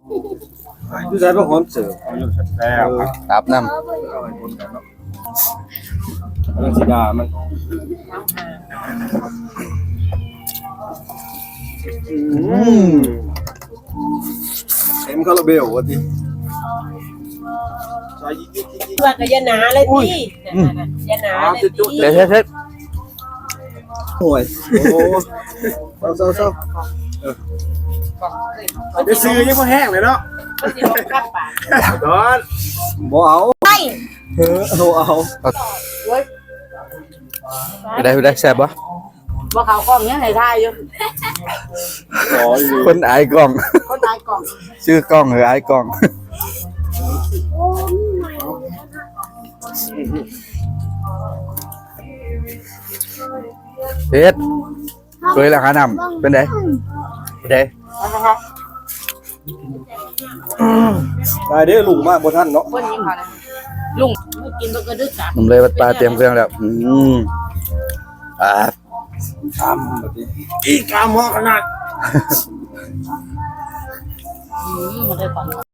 ดูใจพวกหอมเสิร์ฟเอาอยู่แซ่บตับน้เอาไปคนกันเนาะเรื่องสีดามันเต็มคาราเบลวะทีใส่ยิ่งว่าก็ยาหนาเลยพี่ยาหนาเลยพี่ำเด็ดห่วยโอ้เศร้าเดี๋ยวซื้อยังพอแห้งเลยเนาะมันสิลงกับปากดอนบ่เอาไปเอาได้แซ่บปะบ่เขากล้องยังให้ทายอยู่ขออยู่คนอายกล้องคนตายกล้องชื่อกล้องหรืออายกล้องเฮ็ดเคยแล้วหานำเป็นไงเป็นไงได้เด้อลุงมากบ่ท่านเนาะคนยิงเขานะลุงกินบ่กระดึกจ้ะผมเลยวัดปลาเตรียมเครื่องแล้วอ่าทำแบบนี้อีกกามอขนาดมันได้ก่อน